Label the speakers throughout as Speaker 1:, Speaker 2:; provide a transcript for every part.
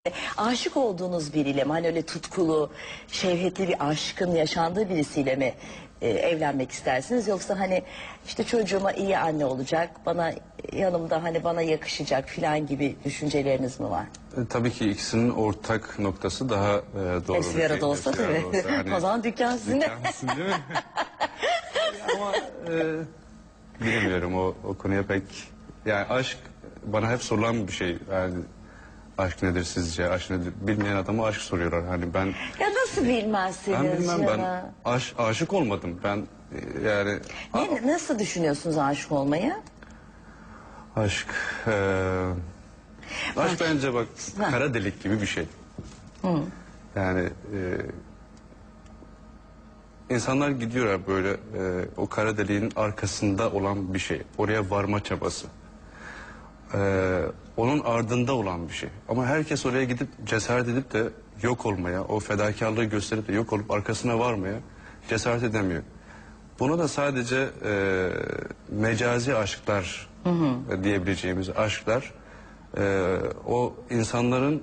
Speaker 1: Aşık olduğunuz biriyle mi? Hani öyle tutkulu, şevhetli bir aşkın yaşandığı birisiyle mi evlenmek istersiniz? Yoksa hani işte çocuğuma iyi anne olacak, bana yanımda hani bana yakışacak filan gibi düşünceleriniz mi var?
Speaker 2: Tabii ki ikisinin ortak noktası daha doğru.
Speaker 1: Hepsi bir arada olsa
Speaker 2: Hepsi bir arada
Speaker 1: tabii.
Speaker 2: olsa. Hani,
Speaker 1: O zaman dükkan sizin de.
Speaker 2: dükkansın değil mi? Ama bilemiyorum o konuya pek. Yani aşk bana hep sorulan bir şey. Yani aşk nedir sizce? Aşk nedir? Bilmeyen adama aşk soruyorlar. Hani ben
Speaker 1: Ya nasıl bilmezsiniz?
Speaker 2: ben bilmem, ben
Speaker 1: ya?
Speaker 2: aşık olmadım. Ben yani
Speaker 1: Nasıl düşünüyorsunuz aşık olmayı?
Speaker 2: aşk aşk bence bak kara delik gibi bir şey. Yani insanlar gidiyorlar böyle o kara deliğin arkasında olan bir şey. Oraya varma çabası. Onun ardında olan bir şey. Ama herkes oraya gidip cesaret edip de yok olmaya, o fedakarlığı gösterip de yok olup arkasına varmaya cesaret edemiyor. Buna da sadece mecazi aşklar diyebileceğimiz aşklar o insanların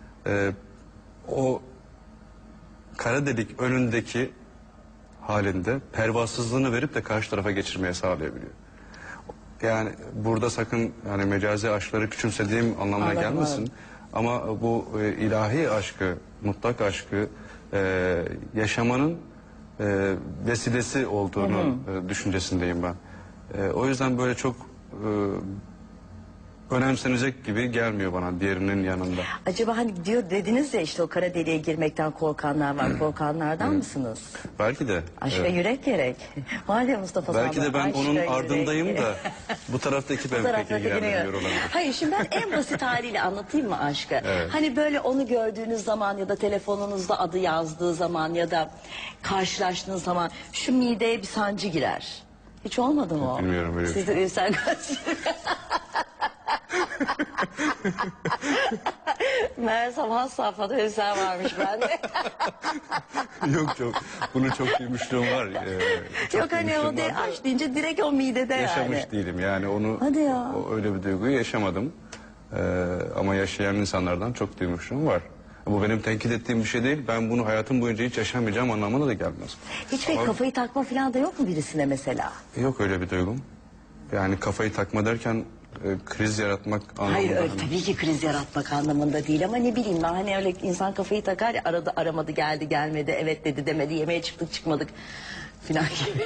Speaker 2: o kara delik önündeki halinde pervasızlığını verip de karşı tarafa geçirmeye sağlayabiliyor. Yani burada sakın yani mecazi aşkları küçümsediğim anlamına
Speaker 1: Anladım,
Speaker 2: gelmesin.
Speaker 1: anladım.
Speaker 2: Ama bu ilahi aşkı, mutlak aşkı yaşamanın vesilesi olduğunu düşüncesindeyim ben. O yüzden böyle çok önemsenecek gibi gelmiyor bana diğerinin yanında.
Speaker 1: Acaba hani diyor dediniz ya işte o kara deliğe girmekten korkanlar var. Korkanlardan mısınız?
Speaker 2: Belki de.
Speaker 1: Aşka
Speaker 2: evet.
Speaker 1: yürek gerek. Var ya Mustafa
Speaker 2: Belki de
Speaker 1: Sandal,
Speaker 2: ben
Speaker 1: aşka
Speaker 2: onun
Speaker 1: yürek
Speaker 2: ardındayım
Speaker 1: gerek.
Speaker 2: da bu taraftaki ben pek
Speaker 1: Taraflardaki
Speaker 2: ilgilenmiyor
Speaker 1: ne?
Speaker 2: olabilir.
Speaker 1: Hayır şimdi ben en basit haliyle anlatayım mı aşkı?
Speaker 2: Evet.
Speaker 1: Hani böyle onu gördüğünüz zaman ya da telefonunuzda adı yazdığı zaman ya da karşılaştığınız zaman şu mideye bir sancı girer. Hiç olmadı mı o?
Speaker 2: Bilmiyorum öyle bir
Speaker 1: Sizde ülser Meğersem has safhada ülser varmış bende.
Speaker 2: Yok bunu çok duymuşluğum var.
Speaker 1: Yok hani o de aşk deyince direkt o midede
Speaker 2: yaşamış
Speaker 1: yani.
Speaker 2: değilim yani onu
Speaker 1: Hadi ya.
Speaker 2: öyle bir duyguyu yaşamadım. Ama yaşayan insanlardan çok duymuşluğum var. Bu benim tenkit ettiğim bir şey değil. Ben bunu hayatım boyunca hiç yaşamayacağım anlamına da gelmez.
Speaker 1: Hiç pek kafayı takma falan da yok mu birisine mesela?
Speaker 2: Yok öyle bir duygum. Yani kafayı takma derken kriz yaratmak anlamında.
Speaker 1: Hayır öyle
Speaker 2: hani-
Speaker 1: tabii ki kriz yaratmak anlamında değil ama ne bileyim ben hani öyle insan kafayı takar ya aradı aramadı geldi gelmedi evet dedi demedi yemeğe çıktık çıkmadık filan gibi.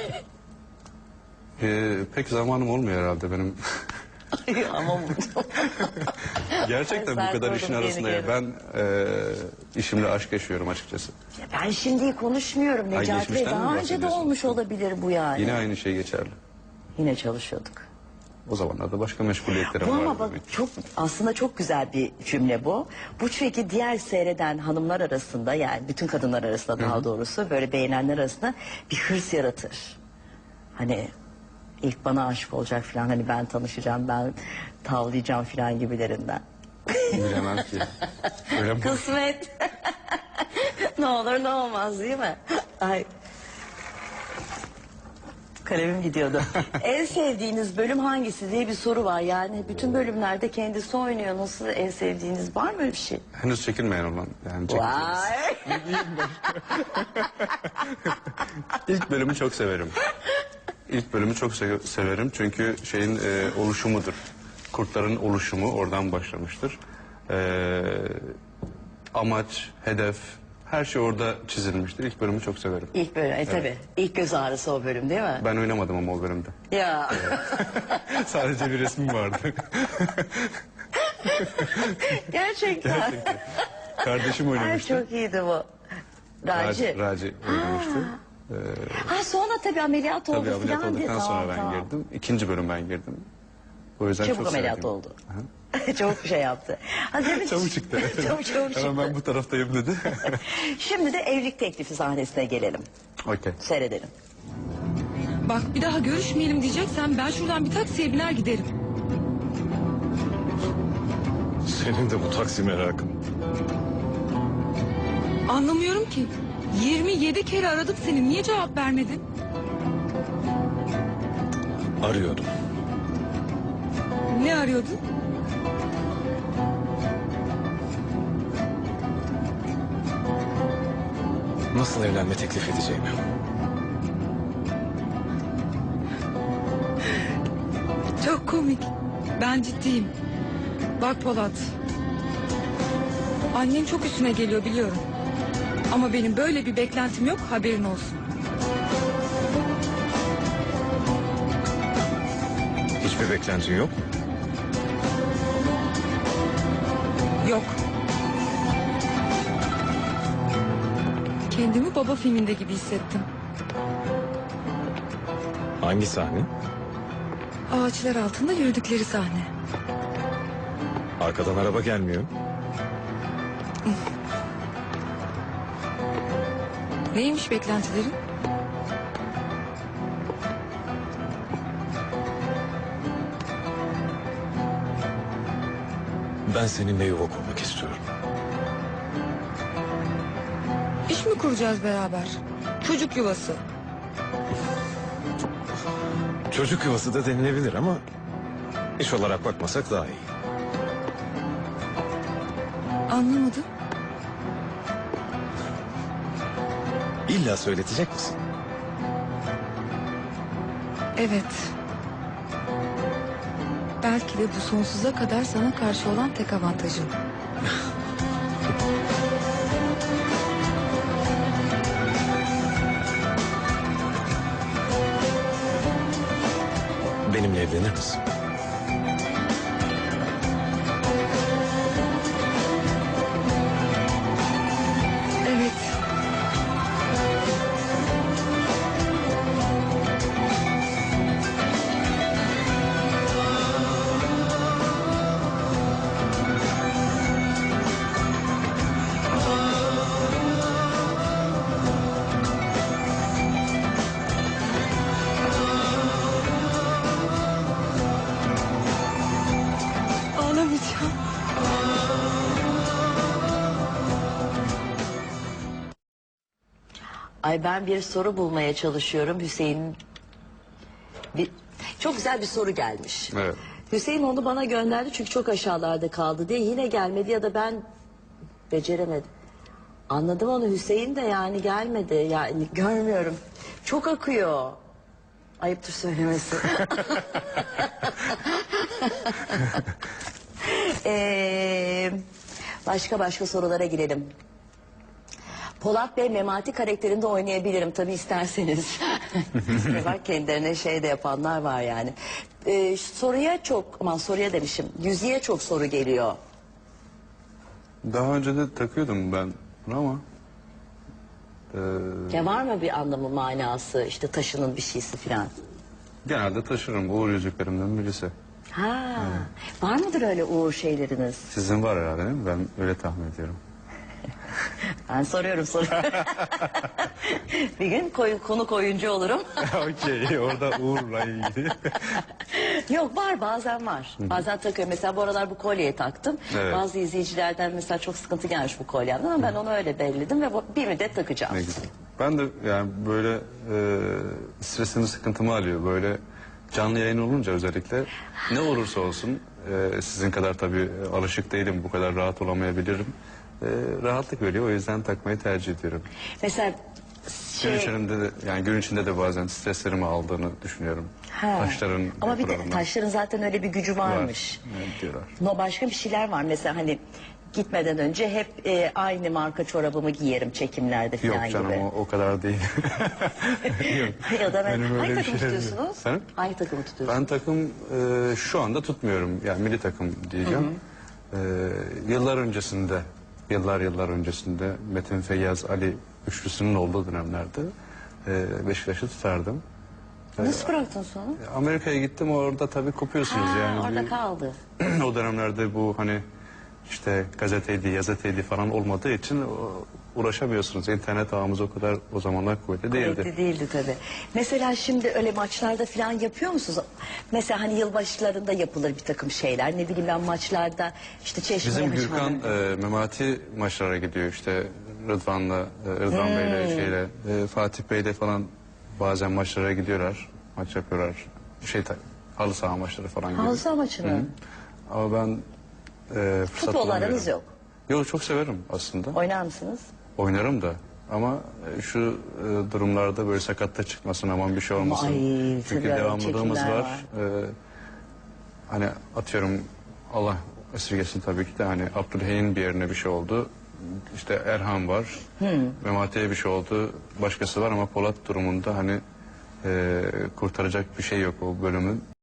Speaker 2: Pek zamanım olmuyor herhalde benim.
Speaker 1: Ama
Speaker 2: Gerçekten
Speaker 1: Ay,
Speaker 2: bu kadar
Speaker 1: sen
Speaker 2: işin
Speaker 1: doğru,
Speaker 2: arasında
Speaker 1: yeni
Speaker 2: ben işimle aşk yaşıyorum açıkçası.
Speaker 1: ben şimdi konuşmuyorum Necati Bey
Speaker 2: geçmişten mi
Speaker 1: daha önce de
Speaker 2: bahsediyorsun?
Speaker 1: olmuş olabilir bu yani.
Speaker 2: Yine aynı şey geçerli.
Speaker 1: Yine çalışıyorduk.
Speaker 2: O zamanlarda başka meşguliyetlerim
Speaker 1: Bu
Speaker 2: vardı.
Speaker 1: ama bak çok aslında çok güzel bir cümle bu. Bu çünkü diğer seyreden hanımlar arasında yani bütün kadınlar arasında daha doğrusu böyle beğenenler arasında bir hırs yaratır. Hani ilk bana aşık olacak falan hani ben tanışacağım ben tavlayacağım falan gibilerinden.
Speaker 2: Bilemem ki. Öyle mi?
Speaker 1: Kısmet. Ne olur ne olmaz değil mi? Ay. Kalemim gidiyordu. En sevdiğiniz bölüm hangisi diye bir soru var. Yani bütün bölümlerde kendisi oynuyor. Nasıl en sevdiğiniz var mı öyle bir şey?
Speaker 2: Henüz çekilmeyen olan. Yani çekileceğiz.
Speaker 1: Vay.
Speaker 2: İlk bölümü çok severim. İlk bölümü çok severim çünkü şeyin oluşumudur. Kurtların oluşumu oradan başlamıştır. Amaç, hedef, her şey orada çizilmiştir. İlk bölümü çok severim.
Speaker 1: İlk bölüm. Tabii. İlk göz ağrısı o bölüm değil mi?
Speaker 2: Ben oynamadım ama o bölümde.
Speaker 1: Ya.
Speaker 2: Sadece bir resmim vardı.
Speaker 1: Gerçekten.
Speaker 2: Kardeşim
Speaker 1: Ay
Speaker 2: oynamıştı.
Speaker 1: çok iyiydi bu. Raci.
Speaker 2: Raci oynamıştı.
Speaker 1: Ha sonra tabii ameliyat oldu
Speaker 2: Tabii ameliyat
Speaker 1: falan diye.
Speaker 2: olduktan sonra
Speaker 1: Tamam,
Speaker 2: ben
Speaker 1: tamam.
Speaker 2: girdim. İkinci bölüm ben girdim. O yüzden
Speaker 1: Çabuk
Speaker 2: çok
Speaker 1: ameliyat
Speaker 2: sevdim.
Speaker 1: oldu. Çabuk bir şey yaptı. Ha, demek-
Speaker 2: Çabuk çıktı.
Speaker 1: Çabuk çıktı.
Speaker 2: Hemen ben bu taraftayım dedi.
Speaker 1: Şimdi de evlilik teklifi sahnesine gelelim.
Speaker 2: Okey.
Speaker 1: Seyredelim.
Speaker 3: Bak bir daha görüşmeyelim diyeceksen ben şuradan bir taksiye biner giderim.
Speaker 4: Senin de bu taksi merakın.
Speaker 3: Anlamıyorum ki. 27 kere aradık seni. Niye cevap vermedin?
Speaker 4: Arıyordum.
Speaker 3: Ne arıyordun?
Speaker 4: nasıl evlenme teklif edeceğimi.
Speaker 3: Çok komik. Ben ciddiyim. Bak Polat. Annem çok üstüne geliyor biliyorum. Ama benim böyle bir beklentim yok, haberin olsun.
Speaker 4: Hiçbir beklentin yok mu?
Speaker 3: Yok. Kendimi baba filminde gibi hissettim.
Speaker 4: Hangi sahne?
Speaker 3: Ağaçlar altında yürüdükleri sahne.
Speaker 4: Arkadan araba gelmiyor.
Speaker 3: Neymiş beklentilerin?
Speaker 4: Ben seninle yuva kurmak istiyorum.
Speaker 3: İş mi kuracağız beraber? Çocuk yuvası.
Speaker 4: Çocuk yuvası da denilebilir ama iş olarak bakmasak daha iyi.
Speaker 3: Anlamadım.
Speaker 4: İlla söyletecek misin?
Speaker 3: Evet. Belki de bu sonsuza kadar sana karşı olan tek avantajım.
Speaker 4: Benimle evlenir misin?
Speaker 3: Evet. Ağlamayacağım.
Speaker 1: Ay ben bir soru bulmaya çalışıyorum Hüseyin. Çok güzel bir soru gelmiş.
Speaker 2: Evet.
Speaker 1: Hüseyin onu bana gönderdi çünkü çok aşağılarda kaldı diye yine gelmedi ya da ben beceremedim. Anladım onu Hüseyin de yani gelmedi yani görmüyorum. Çok akıyor. Ayıptır söylemesi. Başka sorulara girelim. Polat Bey Memati karakterinde oynayabilirim tabii isterseniz. Bak kendilerine şey de yapanlar var yani. Soruya demişim. Yüzüğe çok soru geliyor.
Speaker 2: Daha önce de takıyordum ben bunu ama
Speaker 1: Ya var mı bir anlamı manası işte taşının bir şeysi filan?
Speaker 2: genelde taşırım. Uğur yüzüklerimden birisi.
Speaker 1: Ha, var mıdır öyle uğur şeyleriniz?
Speaker 2: Sizin var herhalde değil mi? Ben öyle tahmin ediyorum.
Speaker 1: Ben soruyorum. Bir gün konuk oyuncu olurum.
Speaker 2: Okey, orada Uğur'la ilgili.
Speaker 1: Yok var bazen var. Bazen takıyorum. Mesela bu aralar bu kolyeyi taktım.
Speaker 2: Evet.
Speaker 1: Bazı izleyicilerden mesela çok sıkıntı gelmiş bu kolyemden ama ben onu öyle belledim ve bir müddet takacağım.
Speaker 2: Ne güzel. Ben de yani böyle stresimi sıkıntımı alıyor. Böyle canlı yayın olunca özellikle ne olursa olsun sizin kadar tabii alışık değilim. Bu kadar rahat olamayabilirim. Rahatlık veriyor. O yüzden takmayı tercih ediyorum.
Speaker 1: Mesela
Speaker 2: gün içinde de bazen streslerimi aldığını düşünüyorum.
Speaker 1: Ha.
Speaker 2: Taşların
Speaker 1: Ama bir de
Speaker 2: yapılarından
Speaker 1: taşların zaten öyle bir gücü varmış.
Speaker 2: var. Evet, diyorlar.
Speaker 1: No başka bir şeyler var mesela hani gitmeden önce hep aynı marka çorabımı giyerim çekimlerde
Speaker 2: Yok
Speaker 1: falan
Speaker 2: canım
Speaker 1: gibi.
Speaker 2: o kadar değil. Yok.
Speaker 1: Ya da
Speaker 2: Benim öyle
Speaker 1: hangi
Speaker 2: bir
Speaker 1: takım
Speaker 2: şeyim yok.
Speaker 1: tutuyorsunuz?
Speaker 2: Efendim?
Speaker 1: Hangi takımı tutuyorsunuz?
Speaker 2: Ben takım şu anda tutmuyorum. Yani milli takım diyeceğim. Yıllar öncesinde Metin Feyyaz Ali üçlüsünün olduğu dönemlerde Beşiktaş'ı tutardım.
Speaker 1: Nasıl bıraktın sonra?
Speaker 2: Amerika'ya gittim orada tabii kopuyorsunuz yani.
Speaker 1: Orada kaldı.
Speaker 2: O dönemlerde bu hani işte gazeteydi, gazeteydi falan olmadığı için uğraşamıyorsunuz. İnternet ağımız o kadar o zamanlar kuvvetli değildi.
Speaker 1: Kuvvetli değildi tabii. Mesela şimdi öyle maçlarda falan yapıyor musunuz? Mesela hani yılbaşlarında yapılır bir takım şeyler. Ne bileyim ben maçlarda işte çeşmeye
Speaker 2: Bizim Gürkan Memati maçlara gidiyor işte Rıdvan Bey'le Fatih Bey'le falan bazen maçlara gidiyorlar. Maç yapıyorlar. Halı saha maçları falan gidiyor.
Speaker 1: Halı saha maçına.
Speaker 2: Hı. Ama ben fırsat
Speaker 1: Futbol
Speaker 2: bulamıyorum.
Speaker 1: aranız yok.
Speaker 2: Yok çok severim aslında.
Speaker 1: Oynar mısınız?
Speaker 2: Oynarım da Ama şu durumlarda böyle sakatta çıkmasın, aman bir şey olmasın.
Speaker 1: Ay,
Speaker 2: Çünkü
Speaker 1: tabii,
Speaker 2: devamlılığımız
Speaker 1: çekimler
Speaker 2: var. Hani atıyorum, Allah esirgesin tabii ki de, hani Abdülhey'in bir yerine bir şey oldu. İşte Erhan var. Memati'ye bir şey oldu. Başkası var ama Polat durumunda hani kurtaracak bir şey yok o bölümün.